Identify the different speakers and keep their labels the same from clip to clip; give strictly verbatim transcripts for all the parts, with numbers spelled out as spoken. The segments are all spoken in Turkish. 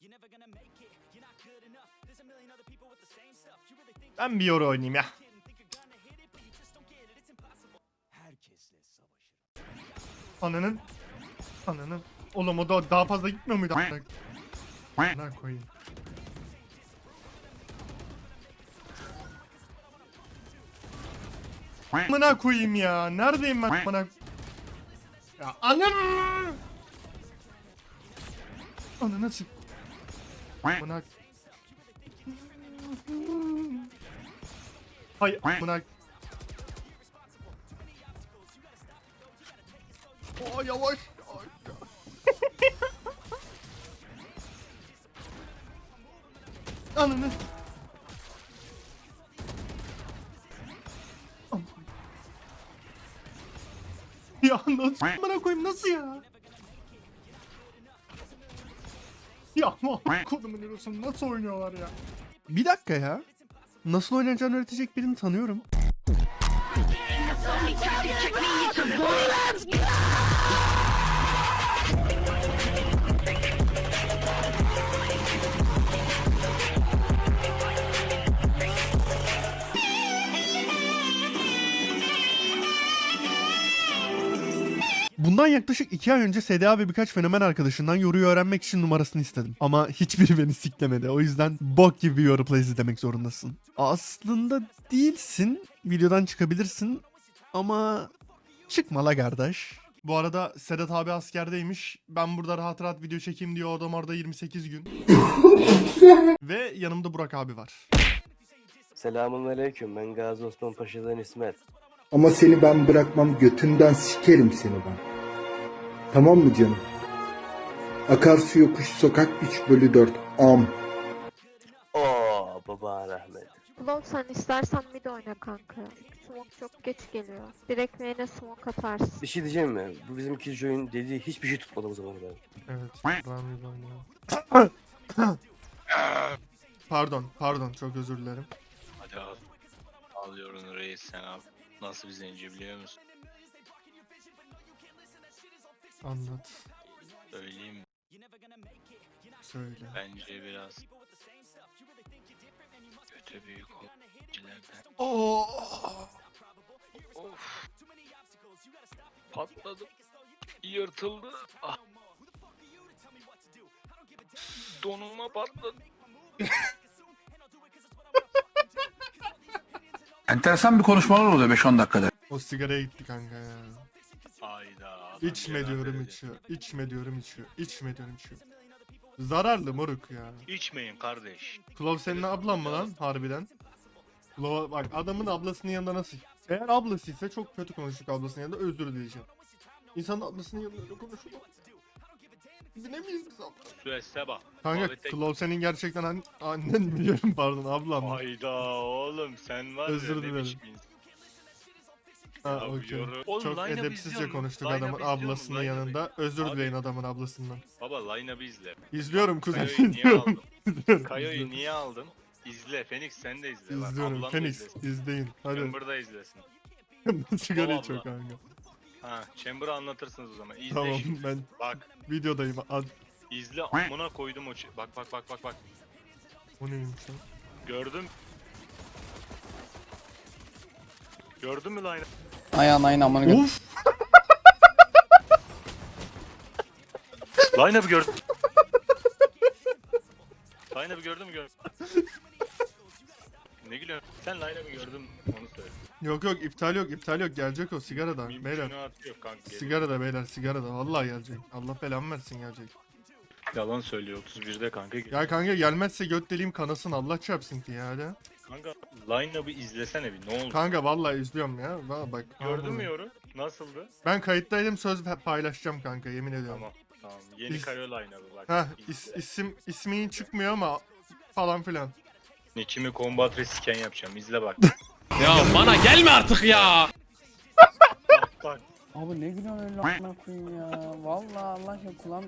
Speaker 1: Ben bir yoru oynayayım ya. Ananın. Ananın. Oğlum o da daha fazla gitmiyor muydu? Ne koyayım. Amına koyayım ya. Neredeyim ben? Amına. Ya ananı. Ananı sik. Amına. Hay amına. Oh yavaş. Ananı. Ya nasıl amına koyayım nasıl ya? Ya ama kodumun Eros'un nasıl oynuyorlar ya? Bir dakika ya. Nasıl oynayacağını öğretecek birini tanıyorum. Bundan yaklaşık iki ay önce S D A ve birkaç fenomen arkadaşından yoruyu öğrenmek için numarasını istedim. Ama hiçbiri beni siklemedi. O yüzden bok gibi bir yoru plays izlemek zorundasın. Aslında değilsin. Videodan çıkabilirsin. Ama çıkma la kardeş. Bu arada Sedat abi askerdeymiş. Ben burada rahat rahat video çekeyim diye adam orada yirmi sekiz gün. Ve yanımda Burak abi var.
Speaker 2: Selamünaleyküm. Ben Gazi Osman Paşa'dan İsmet.
Speaker 3: Ama seni ben bırakmam, götünden sikerim seni ben. Tamam mı canım? Akarsu yokuş sokak üç bölü dört am.
Speaker 2: Oo baba rahmet.
Speaker 4: Klon sen istersen mid oyna kanka. Smoke çok geç geliyor. Direkt main'e smoke atarsın.
Speaker 2: Bir şey diyeceğim mi? Bu bizim Killjoy'un dediği hiçbir şey tutmadı bu zamana kadar.
Speaker 1: Evet. Pardon, pardon. Çok özür dilerim.
Speaker 5: Hadi al. Alıyorum reis sen abi. Nasıl bir zenci biliyor musun?
Speaker 1: Anlat.
Speaker 5: Söyleyeyim mi?
Speaker 1: Söyle.
Speaker 5: Bence biraz kötü büyük oyunculardan.
Speaker 1: Oo.
Speaker 5: Of. Patladım. Yırtıldı. Ah. Donuma patladı.
Speaker 6: Enteresan bir konuşmalar oluyor beş on dakikada.
Speaker 1: O sigaraya gitti kanka ya.
Speaker 5: Hayda. adam
Speaker 1: İçme
Speaker 5: yalan
Speaker 1: diyorum
Speaker 5: dedi.
Speaker 1: içiyor. İçme diyorum içiyor. İçme diyorum içiyor. Zararlı moruk ya.
Speaker 5: İçmeyin kardeş.
Speaker 1: Klov senin ablan mı lan harbiden? Klov bak adamın ablasının yanında nasıl? Eğer ablasıysa çok kötü konuştuk ablasının yanında özür dileyeceğim. İnsanın ablasının yanında öyle konuşulur. Biz ne miyiz biz abla?
Speaker 5: Süesse bak.
Speaker 1: Kanka
Speaker 5: Muhabbete-
Speaker 1: Klov senin gerçekten an annen biliyorum pardon ablam.
Speaker 5: Hayda oğlum sen var
Speaker 1: Özür
Speaker 5: ya ne
Speaker 1: dilerim.
Speaker 5: biçim insan.
Speaker 1: Ha
Speaker 5: Ya
Speaker 1: okey.
Speaker 5: yoru- Oğlum,
Speaker 1: Çok
Speaker 5: line-up'ı
Speaker 1: edepsizce
Speaker 5: izliyor musun?
Speaker 1: konuştuk
Speaker 5: Line-up'ı
Speaker 1: adamın
Speaker 5: izliyor musun?
Speaker 1: ablasının
Speaker 5: Line-up'ı-
Speaker 1: yanında. Özür
Speaker 5: Abi-
Speaker 1: dileyin adamın ablasından.
Speaker 5: Baba line-up'ı izle.
Speaker 1: İzliyorum kuzen.
Speaker 5: Kayo'yu niye
Speaker 1: izliyorum.
Speaker 5: aldın?
Speaker 1: İzliyorum,
Speaker 5: Kayo'yu
Speaker 1: izliyorum.
Speaker 5: niye aldın? İzle Phoenix sen de izle. Bak,
Speaker 1: İzliyorum.
Speaker 5: ablan da
Speaker 1: Phoenix
Speaker 5: izlesin.
Speaker 1: izleyin. Hadi.
Speaker 5: Chamber da izlesin.
Speaker 1: Sigara
Speaker 5: Baba
Speaker 1: içiyor
Speaker 5: abla.
Speaker 1: kanka.
Speaker 5: Ha, Chamber'ı anlatırsınız o zaman. İzle
Speaker 1: Tamam
Speaker 5: şimdi.
Speaker 1: ben
Speaker 5: Bak,
Speaker 1: videodayım. Ad
Speaker 5: izle amına koydum o ç- Bak bak bak bak bak.
Speaker 1: o neymiş lan?
Speaker 5: Gördün? Gördün mü line?
Speaker 7: Ayağın ayağın amanı gör.
Speaker 1: Of!
Speaker 5: Line-up'ı gördün. Line-up'ı gördün mü gör? Ne gülüyorsun? Sen line-up'ı gördün onu söyle.
Speaker 1: Yok yok iptal yok iptal yok gelecek o sigarada beyler.
Speaker 5: Mümkünatı yok kanka. geliyor.
Speaker 1: Sigarada beyler sigarada vallahi gelecek. Allah belamı versin gelecek.
Speaker 5: Yalan söylüyor otuz birde kanka.
Speaker 1: Ya kanka gelmezse göt deliğim kanasın Allah çarpsın ki ya hadi.
Speaker 5: Kanka line-up'ı izlesene bir ne oldu?
Speaker 1: Kanka vallahi izliyorum ya. Valla bak.
Speaker 5: Gördün mü
Speaker 1: vallahi.
Speaker 5: yoru? Nasıldı?
Speaker 1: Ben kayıttaydım söz paylaşacağım kanka yemin ediyorum.
Speaker 5: Tamam. Tamam. Yeni
Speaker 1: İz-
Speaker 5: Kayo line-up'ı bak.
Speaker 1: Heh
Speaker 5: izle.
Speaker 1: is, isim ismin çıkmıyor ama falan filan.
Speaker 5: Nick'imi combat resken yapacağım. İzle bak.
Speaker 8: Ya bana gelme artık ya.
Speaker 5: bak bak.
Speaker 7: Abi ne gülüyorsun öyle amına koyayım ya. Vallahi Allah aşkına kulağım.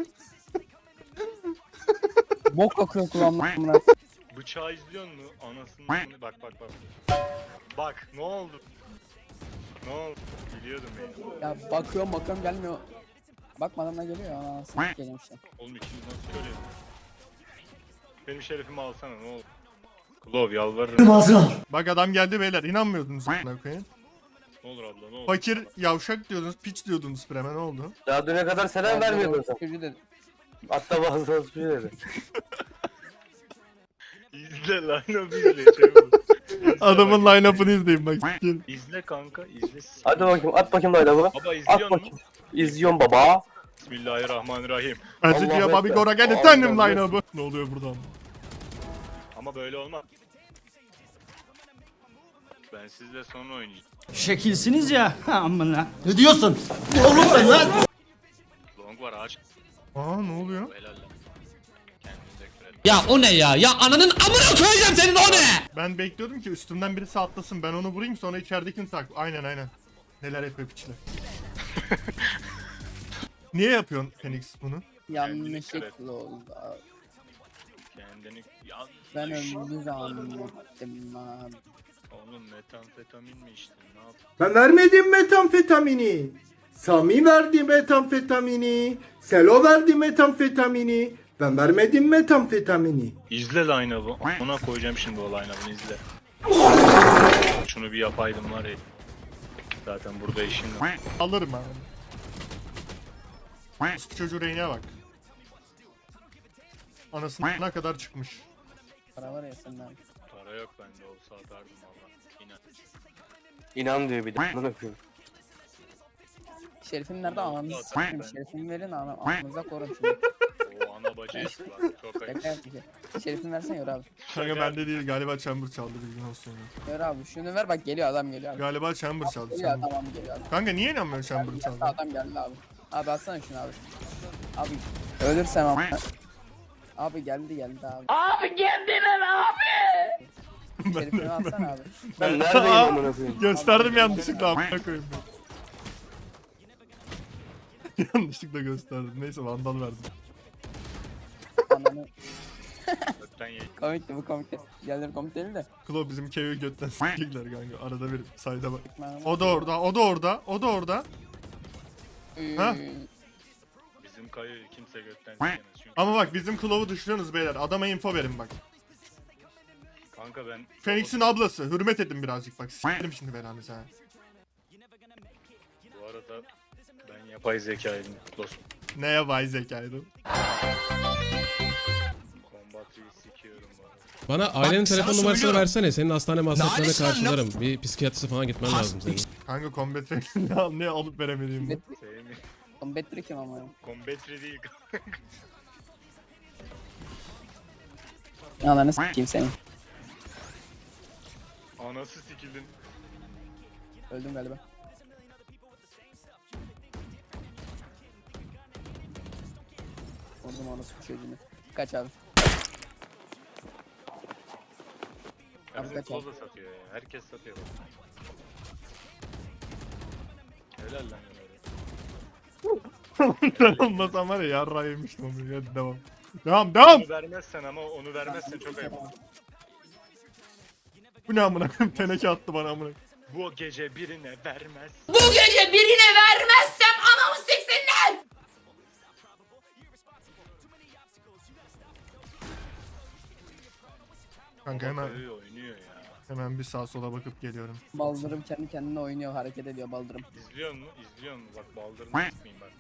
Speaker 7: Bok akıyor kulağımdan amına.
Speaker 5: Bıçağı izliyor mu? Anasını bak bak bak. Bak ne oldu? Ne oldu? Biliyordum beni.
Speaker 7: Ya bakıyorum bakıyorum gelmiyor. Bakmadan da geliyor ya. Anasını geliyorum işte.
Speaker 5: Oğlum ikimiz nasıl görüyor? Benim şerefimi alsana ne olur. Klov yalvarırım.
Speaker 1: Bak adam geldi beyler. İnanmıyordunuz. a**ına koyayım.
Speaker 5: Ne olur abla ne olur.
Speaker 1: Fakir yavşak diyordunuz. Piç diyordunuz Prem'e ne oldu?
Speaker 2: Daha düne kadar selam vermiyordun sen.
Speaker 7: Çocuğu dedi.
Speaker 2: Hatta bazıları suçu dedi.
Speaker 5: İzle line-up'ı izle çabuk. İzle
Speaker 1: Adamın
Speaker 5: bak,
Speaker 1: line-up'ını izleyin bak. sikeyim.
Speaker 5: İzle kanka izle.
Speaker 2: Hadi bakayım at bakayım layla baba.
Speaker 5: Baba
Speaker 2: At
Speaker 5: izliyor musun?
Speaker 2: bakayım. İzliyorum baba.
Speaker 5: Bismillahirrahmanirrahim.
Speaker 1: Azıcık
Speaker 2: Allah
Speaker 1: ya Bobby
Speaker 2: Ekber.
Speaker 1: Gora gel
Speaker 2: Allah
Speaker 1: efendim
Speaker 2: Allah.
Speaker 1: line-up'ı. Ne oluyor buradan?
Speaker 5: Ama böyle olmaz. Ben sizle sonra oynayacağım.
Speaker 9: Şekilsiniz ya. Amına. Ne diyorsun? Oğlum sen lan.
Speaker 5: Long var ağaç.
Speaker 1: Aa ne oluyor?
Speaker 5: Helal lan. Kendinize küfür edin.
Speaker 8: Ya o ne ya? Ya ananın amına koyacağım senin o ne?
Speaker 1: Ben bekliyordum ki üstümden birisi atlasın. Ben onu vurayım sonra içeridekini tak. Aynen aynen. Neler yapıyor piçler. Niye yapıyorsun Phoenix bunu?
Speaker 7: Yanlışlıkla oldu abi.
Speaker 5: Kendini yanlış.
Speaker 7: Ben öldü zannettim abi.
Speaker 5: Oğlum metamfetamin mi içtin ne yaptın?
Speaker 3: Ben vermedim metamfetamini. Sami verdi metamfetamini. Selo verdi metamfetamini. Ben vermedim metamfetamini.
Speaker 5: İzle line-up'ı. Ona koyacağım şimdi o line-up'ını izle. Şunu bir yapaydım var ya. Zaten burada işin var.
Speaker 1: Alırım abi. Şu çocuğu reyneye bak. Anasına kadar çıkmış.
Speaker 7: Para var ya senden.
Speaker 5: Para yok bende olsa atardım valla. İnan.
Speaker 2: İnan diyor bir de. Bunu öpüyorum.
Speaker 7: Şerifim nerede?
Speaker 5: Ulan,
Speaker 7: Ananı
Speaker 5: zaten
Speaker 7: s**eyim.
Speaker 5: ben-
Speaker 7: Şerifimi verin ana. Ananıza korun şimdi.
Speaker 5: O ana bacı eski bak. Çok ayıp.
Speaker 7: Şaka yaptık ya. Şerifimi versen yor abi.
Speaker 1: Kanka bende değil galiba Chamber çaldı bilgin olsun ya.
Speaker 7: Yor abi şunu ver bak geliyor adam geliyor abi.
Speaker 1: Galiba Chamber çaldı.
Speaker 7: Geliyor
Speaker 1: Chamber.
Speaker 7: tamam geliyor abi.
Speaker 1: Kanka niye inanmıyorsun Chamber
Speaker 7: Geldi,
Speaker 1: çaldı?
Speaker 7: adam geldi abi. Abi atsana şunu abi. Abi ölürsem ama. Abi geldi geldi abi. Abi geldiler abi. Şerifimi atsana abi.
Speaker 2: Ben neredeyim amına koyayım?
Speaker 1: Gösterdim yanlışlıkla amına koyayım ben. Yanlışlıkla gösterdim. Neyse vandal verdim.
Speaker 7: Ananı.
Speaker 5: Öpten ye.
Speaker 7: Komikti bu komikti. Diğerleri komik değil de.
Speaker 1: Klo bizim Keo'yu götten s**kler kanka. Arada bir sayda bak.
Speaker 7: Ben-
Speaker 1: O da orada, o da orada, o da orada. Ha?
Speaker 5: Bizim kayı kimse götten sikemez. Çünkü
Speaker 1: Ama bak bizim Klo'u dışlıyorsunuz beyler. Adama info verin bak.
Speaker 5: kanka ben...
Speaker 1: Phoenix'in ablası. Hürmet edin birazcık bak. S**erim şimdi belanızı ha.
Speaker 5: Bu arada ben yapay zekaydım dostum.
Speaker 1: Neye vay zekaydı?
Speaker 5: Kombatıyı sikiyorum bu arada.
Speaker 8: Bana ailenin
Speaker 9: sana
Speaker 8: telefon numarasını
Speaker 9: söylüyorum.
Speaker 8: versene. Senin hastane masraflarını
Speaker 9: Lale sana
Speaker 8: karşılarım. Bir psikiyatrisi falan gitmen lazım senin.
Speaker 1: Kanka combat ne, ne alıp veremediğim bu.
Speaker 5: Sevmi.
Speaker 7: Combatri kim ama?
Speaker 5: Kombatri değil.
Speaker 7: Ananı s**eyim senin.
Speaker 5: Anası sikildin.
Speaker 7: Öldüm galiba. Vurdum anasını çocuğunu. Kaç abi.
Speaker 5: Ya
Speaker 7: Abi
Speaker 5: bizim
Speaker 7: kaç
Speaker 5: Klo
Speaker 7: abi?
Speaker 5: da satıyor ya. Herkes satıyor. Helal lan öyle.
Speaker 1: Ben olmasam var ya yarrağı yemiştim onu. Hadi devam. Devam devam.
Speaker 5: Onu vermezsen ama onu vermezsen çok ayıp.
Speaker 1: Bu ne amına koyayım? Teneke attı bana amına koyayım.
Speaker 5: Bu gece birine vermez.
Speaker 10: Bu gece birine vermezsem anamı siksinler.
Speaker 1: Kanka hemen
Speaker 5: Kayı oynuyor ya.
Speaker 1: hemen bir sağa sola bakıp geliyorum.
Speaker 7: Baldırım kendi kendine oynuyor, hareket ediyor baldırım.
Speaker 5: İzliyor mu? İzliyor mu? Bak baldırını tutmayayım bak.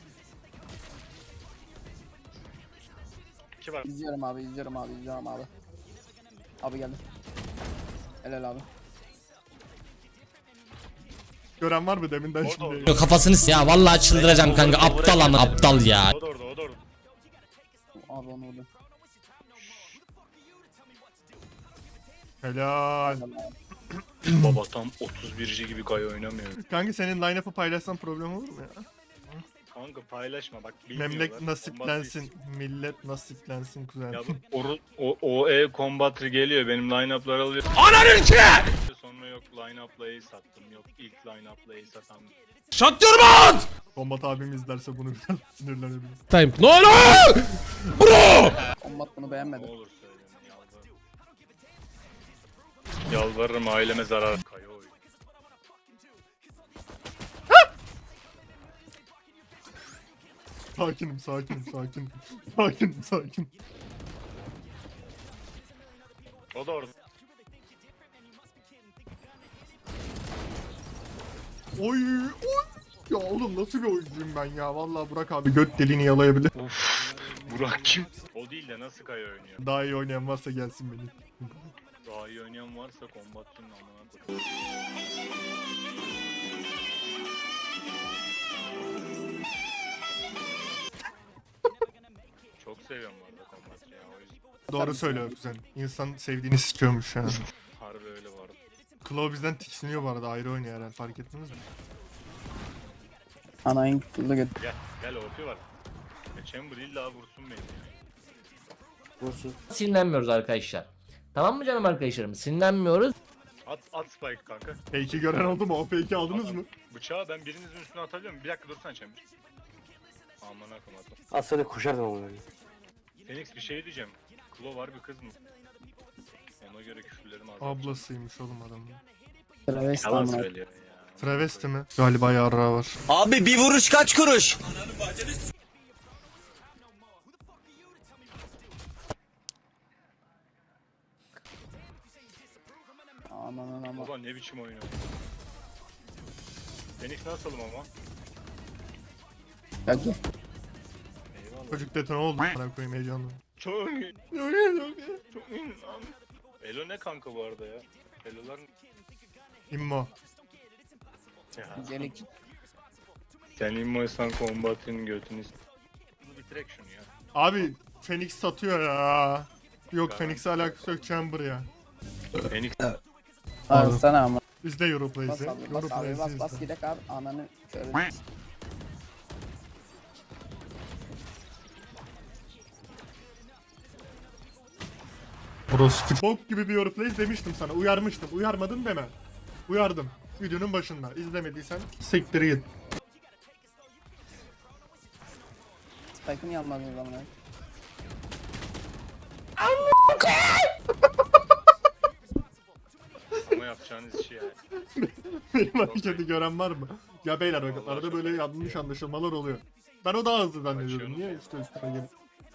Speaker 5: İki var.
Speaker 7: İzliyorum abi, izliyorum abi, izliyorum abi. Abi geldi. Helal abi.
Speaker 1: Gören var mı deminden
Speaker 5: Orada,
Speaker 1: şimdi?
Speaker 5: orada.
Speaker 8: Kafasını s- ya vallahi çıldıracağım kanka. Aptal ama aptal ya.
Speaker 5: O da orada, o da orada.
Speaker 7: Abi onu vurdu.
Speaker 1: Helal.
Speaker 5: Baba tam otuz birci gibi gay oynamıyor.
Speaker 1: Kanka senin line-up'ı paylaşsan problem olur mu ya?
Speaker 5: Kanka paylaşma bak bilmiyorlar.
Speaker 1: Memlek nasiplensin, millet nasiplensin kuzen.
Speaker 5: Ya bu oru, o, o E Combat'ı geliyor benim line-up'lar alıyor.
Speaker 8: Ananın ki!
Speaker 5: Sonra yok line-up'la E sattım. Yok ilk line-up'la E satan.
Speaker 8: Shut your mouth!
Speaker 1: Kombat abim izlerse bunu biraz sinirlenebilir.
Speaker 8: Time. No no! Bro!
Speaker 7: Combat bunu
Speaker 5: Ne
Speaker 7: beğenmedi.
Speaker 5: olur söyleme yalvarırım. Yalvarırım aileme zarar. Kaya oyun.
Speaker 1: Sakinim, sakinim, sakin. Sakinim, sakin.
Speaker 5: O da orada.
Speaker 1: Oy oy. Ya oğlum nasıl bir oyuncuyum ben ya. Vallahi Burak abi göt deliğini yalayabilir.
Speaker 5: Uf. Burak kim? O değil de nasıl Kaya oynuyor?
Speaker 1: Daha iyi oynayan varsa gelsin beni.
Speaker 5: Daha iyi oynayan varsa kombatçının amına koyayım. Çok seviyorum bu arada kombatçı ya o yüzden.
Speaker 1: Doğru söylüyor güzel. İnsan sevdiğini sikiyormuş ya.
Speaker 5: Harbi öyle bu arada.
Speaker 1: Claw bizden tiksiniyor bu arada, ayrı oynuyor herhalde, fark ettiniz mi?
Speaker 7: Anayın kutlu göt.
Speaker 5: Gel gel ortaya var. Ya Chamber illa vursun beni ya.
Speaker 2: Vursun.
Speaker 8: Sinirlenmiyoruz arkadaşlar. Tamam mı canım arkadaşlarım? Sinirlenmiyoruz.
Speaker 5: At at spike kanka.
Speaker 1: Fake'i gören oldu mu? O fake'i aldınız mı?
Speaker 5: Bıçağı ben birinizin üstüne atabiliyor muyum? Bir dakika dursana Chamber. Aman akım atla.
Speaker 2: Az sonra koşardım ama öyle.
Speaker 5: Phoenix bir şey diyeceğim. Klo var bir kız mı? Ona göre küfürlerim az.
Speaker 1: Ablasıymış oğlum adamın.
Speaker 7: Travesti
Speaker 5: Yalan
Speaker 7: amına.
Speaker 5: söylüyor ya.
Speaker 1: Travesti mi? Galiba yarrağı var.
Speaker 9: Abi bir vuruş kaç kuruş?
Speaker 7: Aman aman.
Speaker 5: Baba ne biçim oynuyor? Phoenix nasılım ama?
Speaker 7: Gel gel.
Speaker 5: Eyvallah.
Speaker 1: Çocuk detone oldu. Bana koyayım heyecanlı.
Speaker 5: Çok iyi. Çok iyi lan. Elo ne kanka bu arada ya? Elo'lar
Speaker 1: İmmo.
Speaker 5: ya.
Speaker 7: Gelik.
Speaker 5: Sen immoysan kombatın götünü s- Bunu bitirek şunu ya.
Speaker 1: Abi Phoenix satıyor ya. Yok
Speaker 5: Ben-
Speaker 1: Phoenix'e alakası yok, Chamber ya.
Speaker 5: Phoenix
Speaker 7: Abi sana ama.
Speaker 1: Bizde
Speaker 7: Bas
Speaker 1: Europlay'si.
Speaker 7: abi bas abi bas bas
Speaker 1: Europlay'si
Speaker 7: gidek abi ananı şöyle.
Speaker 1: Orospu. Bok gibi bir Europlays demiştim sana. Uyarmıştım. Uyarmadın deme. Uyardım. Videonun başında. İzlemediysen siktir git.
Speaker 7: Spike'ı niye almadın lan bunu?
Speaker 5: ama yapacağınız işi yani.
Speaker 1: Benim hareketi gören var mı? Ya beyler bak,
Speaker 5: Vallahi
Speaker 1: arada
Speaker 5: çok
Speaker 1: böyle
Speaker 5: iyi.
Speaker 1: yanlış anlaşılmalar oluyor. Ben o daha hızlı zannediyordum.
Speaker 5: Açıyorum.
Speaker 1: Niye işte üstüne gelip.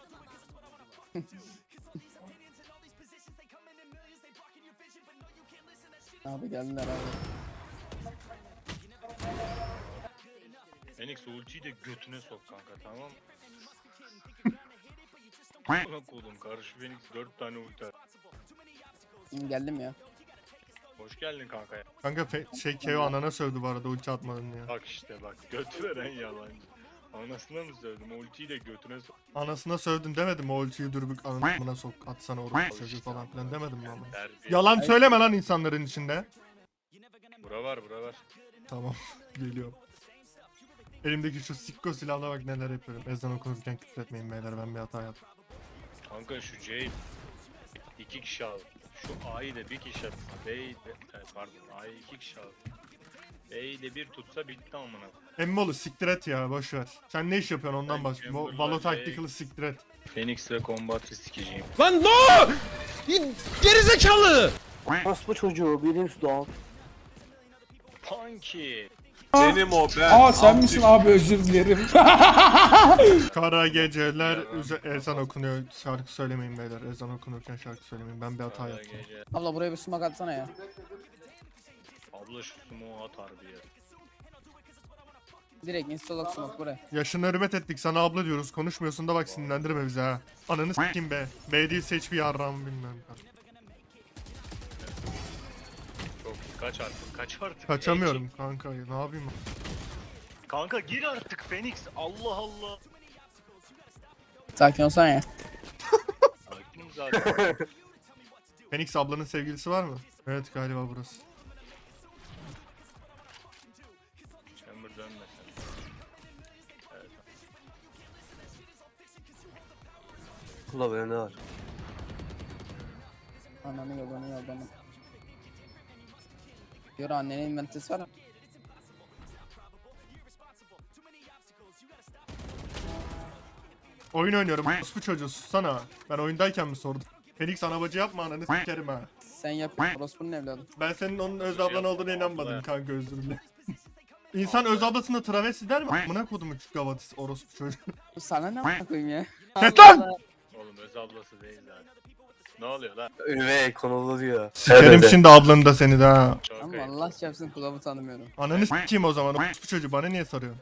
Speaker 7: Abi geldiler abi.
Speaker 5: Phoenix ultiyi de götüne sok kanka tamam mı? Buna koydum karşı Phoenix dört tane ulti at.
Speaker 7: Şimdi geldim ya.
Speaker 5: Hoş geldin kanka ya.
Speaker 1: Kanka fe- şey Keo anana sövdü bu arada ulti atmadın ya.
Speaker 5: Bak işte bak götü veren yalancı. Anasına mı söyledim ultiyi de götüne sok.
Speaker 1: Anasına sövdün demedim mi? O ultiyi dürbük anasına sok atsana orası çocuğu falan filan demedim mi ama?
Speaker 5: Terbiye.
Speaker 1: Yalan söyleme lan insanların içinde.
Speaker 5: Bura var bura var.
Speaker 1: Tamam geliyor. Elimdeki şu sikko silahla bak neler yapıyorum. Ezan okunurken küfür etmeyin beyler, ben bir hata yaptım.
Speaker 5: Kanka şu C'yi iki kişi al. Şu A'yı da bir kişi atsa. B'yi de e, pardon A'yı iki kişi al. B'yi de bir tutsa bitti amına.
Speaker 1: Emmolu siktir et ya, boş ver. Sen ne iş yapıyorsun ondan
Speaker 5: Ben
Speaker 1: bahset.
Speaker 5: Chamberlain
Speaker 1: Valo
Speaker 5: Bey-
Speaker 1: Tactical'ı siktir et.
Speaker 5: Phoenix ve Combat'ı sikeceğim.
Speaker 8: Lan no! Gerizekalı!
Speaker 2: Orospu çocuğu bilir dog.
Speaker 5: Punky.
Speaker 6: Benim o ben.
Speaker 9: Aa sen misin abi, özür dilerim.
Speaker 1: Kara geceler üze- ezan okunuyor. Şarkı söylemeyin beyler. Ezan okunurken şarkı söylemeyin. Ben bir hata
Speaker 5: Kara
Speaker 1: yaptım.
Speaker 5: gece.
Speaker 7: Abla buraya bir smoke atsana ya.
Speaker 5: Abla şu smoke atar bir yer.
Speaker 7: Direkt installak smoke buraya.
Speaker 1: Yaşına hürmet ettik, sana abla diyoruz. Konuşmuyorsun da bak, sinirlendirme bizi ha. Ananı s**kim be. B değil seç bir yarrağımı bilmem.
Speaker 5: Çok iyi. Kaç artık kaç artık.
Speaker 1: Kaçamıyorum kanka, ne yapayım?
Speaker 5: Ey, kanka gir artık Phoenix. Allah Allah.
Speaker 7: Sakin olsana ya.
Speaker 5: Sakin zaten.
Speaker 1: Phoenix ablanın sevgilisi var mı? Evet galiba burası.
Speaker 5: Chamber dönmesin. Evet.
Speaker 2: Kula böyle ne var?
Speaker 7: Ananı yolunu yolunu. Yürü annenin inventesi var mı?
Speaker 1: Oyun oynuyorum. Bu çocuğu sussana. Ben oyundayken mi sordum? Phoenix anabacı yapma, ananı s**kerim ha.
Speaker 7: Sen yap. Orospu'nun evladı.
Speaker 1: Ben senin onun öz ablan olduğuna inanmadım
Speaker 5: Abla.
Speaker 1: kanka, özür dilerim. İnsan öz ablasına travesti der mi? Amına kodumu küçük gavatis orospu çocuğu.
Speaker 7: Sana ne a**a koyayım ya?
Speaker 1: Kes lan!
Speaker 5: Oğlum öz ablası değil zaten. Ne oluyor lan?
Speaker 2: Üvey konulu diyor.
Speaker 1: Sikerim şimdi ablanı da seni de ha.
Speaker 5: Çok
Speaker 7: Ama
Speaker 5: ayıp.
Speaker 7: Allah çarpsın kulağımı tanımıyorum.
Speaker 1: Ananı sikeyim o zaman. Bu çocuğu bana niye soruyorsun?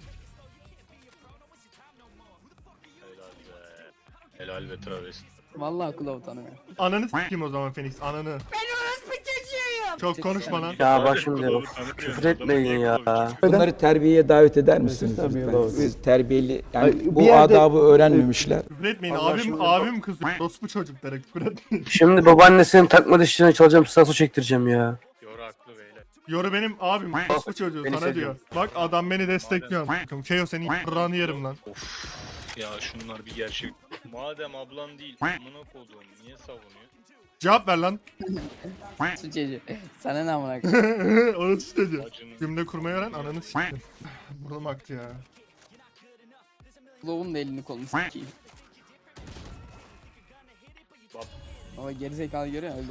Speaker 5: Helal be. Helal be travesti.
Speaker 7: Vallahi kulağımı tanımıyorum.
Speaker 1: Ananı sikeyim o zaman Phoenix. Ananı. Çok konuşma lan.
Speaker 2: Ya bak şimdi bak. Küfür etmeyin ya.
Speaker 11: Bunları terbiyeye davet eder misiniz lütfen? Biz terbiyeli yani bu adabı öğrenmemişler.
Speaker 1: Küfür etmeyin.
Speaker 2: Allah
Speaker 1: abim
Speaker 2: şimdi-
Speaker 1: abim kızıyor. Dostum çocuklara küfür etmeyin.
Speaker 2: Şimdi babaannesinin takma dişlerini çalacağım, stasu çektireceğim ya.
Speaker 5: Yoru haklı beyler.
Speaker 1: Yoru benim abim. Dostum çocuğu
Speaker 2: Beni
Speaker 1: sana
Speaker 2: seviyor.
Speaker 1: diyor. Bak adam beni destekliyor. Keo seni ranı yerim lan.
Speaker 5: Of. Ya şunlar bir gerçek. Madem ablan değil, amına koduğum niye savunuyor?
Speaker 1: Cevap ver lan.
Speaker 7: Su çocuğu. Sana ne amına koyayım?
Speaker 1: Onu çocuğu.
Speaker 5: Bacının
Speaker 1: Cümle kurmayı öğren ananı sikeyim. Burnum aktı ya.
Speaker 7: Kulağımın da elini kolunu sikeyim.
Speaker 5: Bak.
Speaker 7: Ama gerizekalı görüyor musun? Öldü.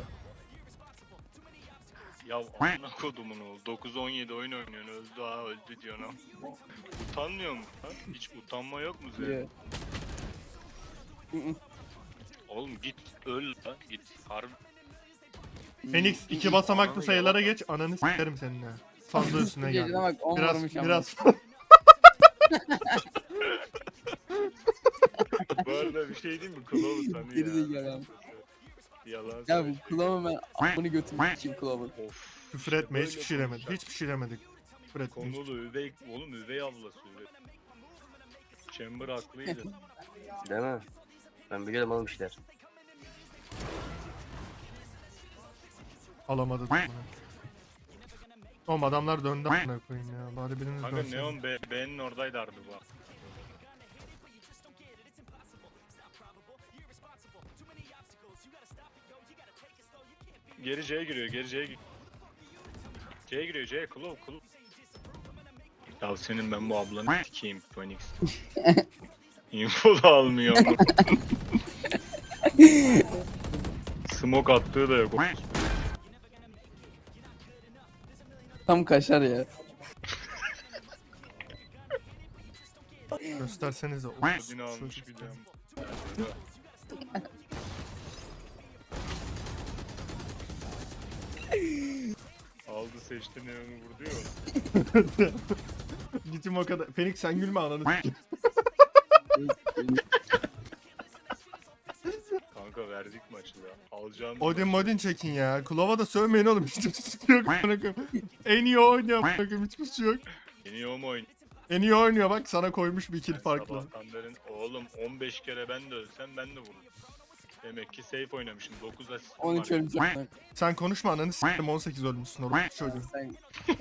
Speaker 5: Ya amına kodumun oğlu. dokuz on yedi oyun oynuyorsun, öldü ha öldü diyorsun ha. Utanmıyor mu? Ha? Hiç utanma yok mu senin?
Speaker 7: Yok. Hı hı.
Speaker 5: Oğlum git öl lan git. Harbi.
Speaker 1: Phoenix iki basamaklı sayılara geç ananı sikerim seninle. Fazla üstüne
Speaker 7: Gecene
Speaker 1: gel.
Speaker 7: bak on
Speaker 1: Biraz
Speaker 7: vurmuş ama.
Speaker 1: biraz
Speaker 5: Bu arada bir şey diyeyim mi? Kulağı utanıyor ya.
Speaker 7: Gerizekalı abi.
Speaker 5: Yalan
Speaker 7: Ya bu
Speaker 5: söylüyor.
Speaker 7: kulağımı ben amını götümü sikeyim kulağımın.
Speaker 5: Of.
Speaker 1: küfür
Speaker 5: işte
Speaker 1: etme
Speaker 5: böyle
Speaker 1: hiçbir şey demedik.
Speaker 5: konuşacak.
Speaker 1: Hiçbir şey demedik. Küfür etme. hiç-
Speaker 5: Konulu üvey, oğlum üvey ablası üvey. Chamber haklıydı.
Speaker 2: Değil mi? Ben biliyorum oğlum işler.
Speaker 1: Alamadı. bunu. Oğlum adamlar döndü amına koyayım ya. Bari biriniz
Speaker 5: Kanka
Speaker 1: dönsün.
Speaker 5: Neon B, B'nin oradaydı harbi bu. Geri C'ye giriyor, geri C'ye giriyor. C'ye giriyor, C'ye Klov, Klov. Ya senin ben bu ablanı sikeyim Phoenix. Info da almıyor ama. Smoke attığı da yok.
Speaker 7: Tam kaşar ya.
Speaker 1: Göstersenize. Of,
Speaker 5: Odin'i almış
Speaker 1: çocuk
Speaker 5: bir
Speaker 1: ya.
Speaker 5: de. Aldı seçti Neon'u vurdu ya.
Speaker 1: Gittim o kadar. Phoenix sen gülme ananı sikeyim.
Speaker 5: Kanka verdik maçı da. Alacağım.
Speaker 1: Odin modin çekin ya. Klova da sövmeyin oğlum. Hiçbir şey yok. amına koyayım. En iyi o oynuyor. amına koyayım, Hiçbir şey yok.
Speaker 5: Yeni o mu oyun?
Speaker 1: En iyi o oynuyor bak sana koymuş bir kill farklı.
Speaker 5: Sabahtan beri oğlum on beş kere ben de ölsem ben de vururum. Demek ki safe oynamışım. dokuz asistim
Speaker 7: on
Speaker 5: var.
Speaker 7: üç öleceğim.
Speaker 1: Sen konuşma ananı sikeyim on sekiz ölmüşsün orada çocuğu.
Speaker 7: Sen...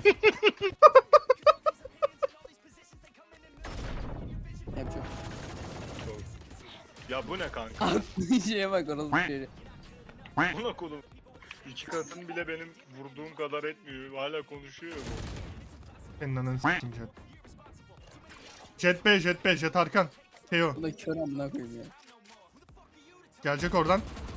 Speaker 7: Yapacağım.
Speaker 5: Çok. Ya bu ne kanka?
Speaker 7: Şeye bak orası şöyle.
Speaker 5: Buna kolum. İki katın bile benim vurduğum kadar etmiyor. Hala konuşuyor bu.
Speaker 1: Senin ananı sikeyim Jet. Jet B, Jet B, Jet Arkan. Teo.
Speaker 7: Bu da kör amına koyayım ya.
Speaker 1: Gelecek oradan.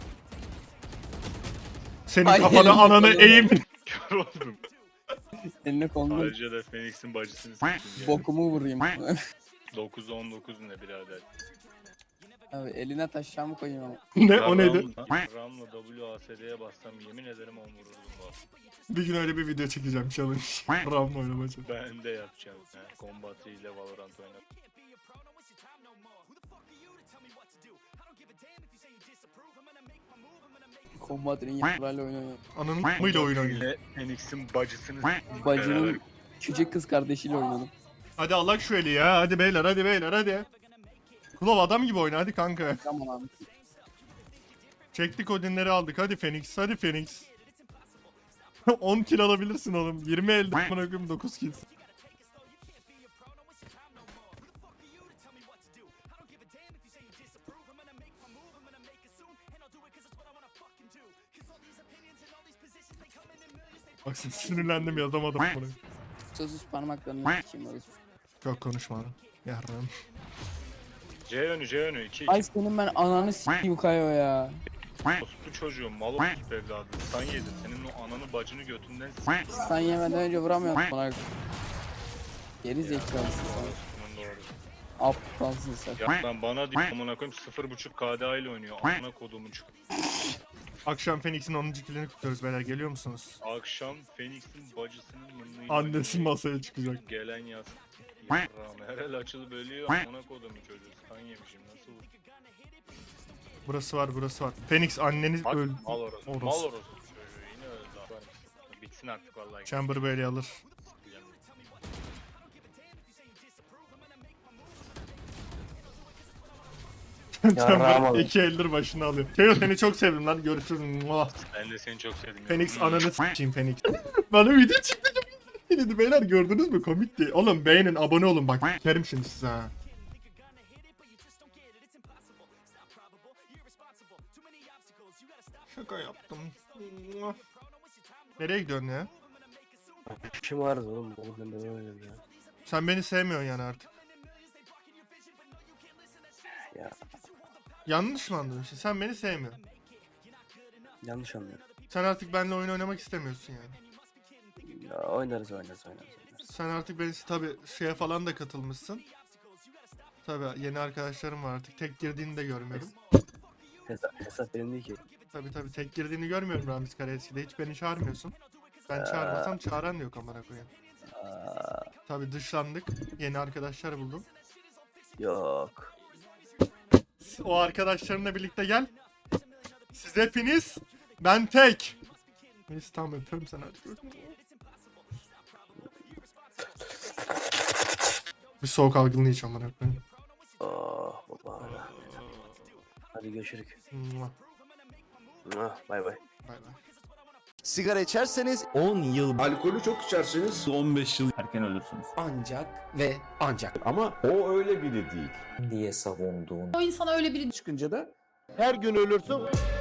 Speaker 1: Senin
Speaker 7: Ay,
Speaker 1: kafanı
Speaker 7: elim
Speaker 1: ananı
Speaker 7: kapalı.
Speaker 1: eğim.
Speaker 5: Kör oldum.
Speaker 7: Eline kolunu
Speaker 5: Ayrıca da Phoenix'in bacısını sikeyim ya.
Speaker 7: bokumu vurayım.
Speaker 5: dokuz on dokuz ne birader.
Speaker 7: Abi eline taşacağımı koyayım ama.
Speaker 1: Ne o neydi?
Speaker 5: Ramla, Ramla W A S D'ye bassam yemin ederim on vururdum bu.
Speaker 1: Bir gün öyle bir video çekeceğim challenge. Ram oynamacı.
Speaker 5: Ben de yapacağım. He. Combat ile Valorant oynar.
Speaker 7: Combat'ın yaprağıyla oynuyor.
Speaker 1: Ananın mıyla oyun oynuyor.
Speaker 5: Ve Phoenix'in bacısını sikeyim
Speaker 7: Bacının
Speaker 5: beraber.
Speaker 7: küçük kız kardeşiyle oynadım.
Speaker 1: Hadi Allah şu eli ya. Hadi beyler hadi beyler hadi. Klov adam gibi oyna hadi kanka.
Speaker 7: Tamam abi.
Speaker 1: Çektik Odin'leri aldık. Hadi Phoenix. Hadi Phoenix. on kill alabilirsin oğlum. yirmi elde amına koyayım dokuz kill. Bak sinirlendim yazamadım bunu.
Speaker 7: Sözsüz parmaklarını sikeyim orası.
Speaker 1: Çok konuşma lan. Yarrağım.
Speaker 5: C yönü C yönü iki
Speaker 7: Ay
Speaker 5: iki.
Speaker 7: senin ben ananı sikeyim Kayo ya.
Speaker 5: Bu çocuğum mal olmuş evladım. Sen yedin. Senin o ananı bacını götünden s***.
Speaker 7: Sen yemeden önce vuramıyorsun bana. Geri zekalısın sen.
Speaker 5: Bunun doğru.
Speaker 7: Aptalsın sen.
Speaker 5: Ya ben bana diyor amına koyayım sıfır buçuk K D A ile oynuyor. Amına kodumun çık.
Speaker 1: Akşam Phoenix'in onuncu kilini kutluyoruz beyler, geliyor musunuz?
Speaker 5: Akşam Phoenix'in bacısının mınlıyla
Speaker 1: Annesi
Speaker 5: oynuyor.
Speaker 1: masaya çıkacak.
Speaker 5: Gelen yaz. Yarrağım herhal açılıp ölüyor. Amına kodumun çocuğu. Kan yemişim nasıl olur?
Speaker 1: Burası var, burası var. Phoenix anneniz
Speaker 5: Bak
Speaker 1: öldü.
Speaker 5: mal orası.
Speaker 1: Orası.
Speaker 5: Mal orası çocuğu. Yine öldü. Abi. Bitsin artık vallahi.
Speaker 1: Chamber böyle alır. Chamber iki eldir başına alıyor. Teo seni çok sevdim lan, görüşürüz. Muah.
Speaker 5: Ben de seni çok sevdim. ya.
Speaker 1: Phoenix ananı s**eyim Phoenix. Bana video çıktı. Dedi beyler, gördünüz mü, komikti. Oğlum beğenin, abone olun bak. Kerim şimdi size ha. Şaka yaptım. Muah. Nereye gidiyorsun ya?
Speaker 2: İşim vardı oğlum. Oğlum ben de öyle ya.
Speaker 1: Sen beni sevmiyorsun yani artık.
Speaker 2: Ya
Speaker 1: Yanlış mı anladın? Şimdi sen beni sevmiyorsun.
Speaker 2: yanlış anlıyorum.
Speaker 1: Sen artık benimle oyun oynamak istemiyorsun yani.
Speaker 2: Ya oynarız oynarız oynarız. oynarız.
Speaker 1: Sen artık beni tabi şeye falan da katılmışsın. Tabi yeni arkadaşlarım var artık. Tek girdiğini de görmüyorum.
Speaker 2: Hesap, hesap benim değil ki.
Speaker 1: Tabi tabi tek girdiğini görmüyorum Ramiz Karaeski'de. Hiç beni çağırmıyorsun. Ben çağırmasam çağıran yok amına koyayım.
Speaker 2: Aa,
Speaker 1: Tabi dışlandık. Yeni arkadaşlar buldum.
Speaker 2: yok.
Speaker 1: O arkadaşlarınla birlikte gel. Siz hepiniz, ben tek. Neyse tamam, öpüyorum seni hadi. Bir soğuk algınlığı hiç amına koyayım.
Speaker 2: Oh baba. Hadi görüşürüz.
Speaker 1: Mua.
Speaker 2: Ah, bay bay.
Speaker 1: Bay bay.
Speaker 12: Sigara içerseniz on yıl, alkolü çok içerseniz on beş yıl erken ölürsünüz.
Speaker 8: Ancak ve ancak.
Speaker 12: Ama o öyle biri değil.
Speaker 8: Diye savunduğun.
Speaker 10: O insana öyle biri
Speaker 12: Çıkınca da her gün ölürsün.